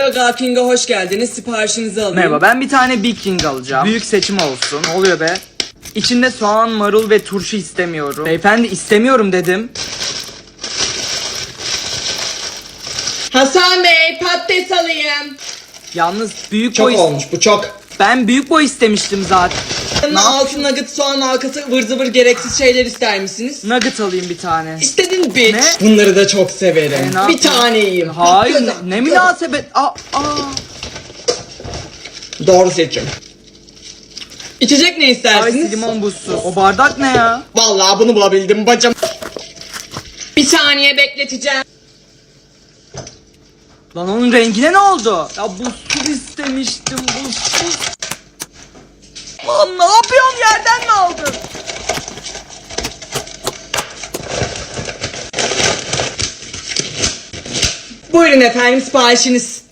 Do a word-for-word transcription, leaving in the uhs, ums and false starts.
Burger King'e hoş geldiniz. Siparişinizi alayım. Merhaba, ben bir tane Big King alacağım. Büyük seçim olsun. Ne oluyor be? İçinde soğan, marul ve turşu istemiyorum. Beyefendi, istemiyorum dedim. Hasan Bey, patates alayım. Yalnız büyük Çok boy... olmuş bu, çok. Ben büyük boy istemiştim zaten. Ne Altı nugget, soğan halkası, ıvır zıvır gereksiz şeyler ister misiniz? Nugget alayım bir tane. İstedin bitch. Ne? Bunları da çok severim. E, ne bir yapayım? tane yiyeyim. Hayır, Hakkında. ne münasebet. Aa, aa. Doğru seçim. İçecek ne Ay, istersiniz? limon buzsuz. O bardak ne ya? Vallahi bunu bulabildim bacım. Bir saniye bekleteceğim. Lan onun rengine ne oldu? Ya buzsuz istemiştim, buzsuz. Lan ne yapıyorsun, yerden mi aldın? Buyurun efendim, siparişiniz.